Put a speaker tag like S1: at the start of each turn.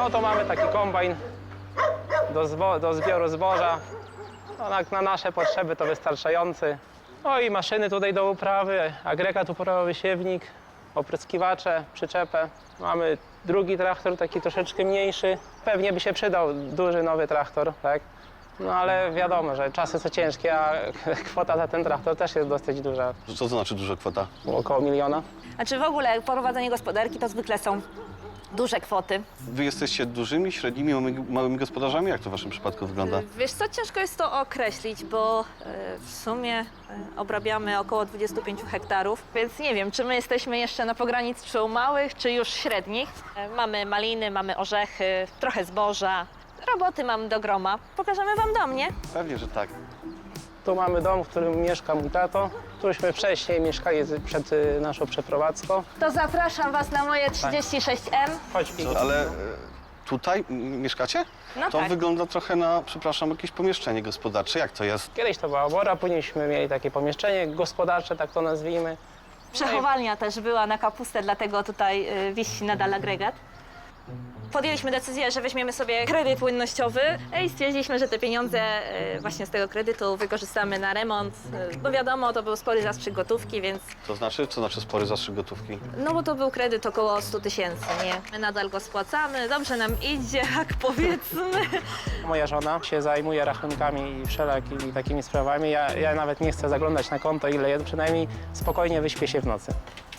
S1: No to mamy taki kombajn do zbioru zboża. No, na nasze potrzeby to wystarczający. No i maszyny tutaj do uprawy, agregat uporowy, siewnik, opryskiwacze, przyczepę. Mamy drugi traktor, taki troszeczkę mniejszy. Pewnie by się przydał duży, nowy traktor, tak? No ale wiadomo, że czasy są ciężkie, a kwota za ten traktor też jest dosyć duża.
S2: Co to znaczy duża kwota?
S1: Około 1 000 000.
S3: Znaczy w ogóle prowadzenie gospodarki to zwykle są duże kwoty.
S2: Wy jesteście dużymi, średnimi, małymi gospodarzami? Jak to w waszym przypadku wygląda?
S3: Wiesz co, ciężko jest to określić, bo w sumie obrabiamy około 25 hektarów, więc nie wiem, czy my jesteśmy jeszcze na pograniczu małych, czy już średnich. Mamy maliny, mamy orzechy, trochę zboża, roboty mam do groma. Pokażemy wam dom, nie?
S2: Pewnie, że tak.
S1: Tu mamy dom, w którym mieszka mój tato. Tuśmy wcześniej mieszkali przed naszą przeprowadzką.
S3: To zapraszam was na moje 36M.
S1: Chodź, Piki.
S2: Ale tutaj mieszkacie?
S3: No
S2: To
S3: tak.
S2: wygląda trochę na, przepraszam, jakieś pomieszczenie gospodarcze. Jak to jest?
S1: Kiedyś to była obora, późniejśmy mieli takie pomieszczenie gospodarcze, tak to nazwijmy.
S3: Przechowalnia też była na kapustę, dlatego tutaj wisi nadal agregat. Podjęliśmy decyzję, że weźmiemy sobie kredyt płynnościowy i stwierdziliśmy, że te pieniądze właśnie z tego kredytu wykorzystamy na remont. Bo wiadomo, to był spory zastrzyk gotówki, więc
S2: To znaczy? Co znaczy spory zastrzyk gotówki?
S3: no bo to był kredyt około 100 000, nie? My nadal go spłacamy, dobrze nam idzie, jak powiedzmy.
S1: Moja żona się zajmuje rachunkami i wszelakimi takimi sprawami. Ja nawet nie chcę zaglądać na konto, ile jest, przynajmniej spokojnie wyśpię się w nocy.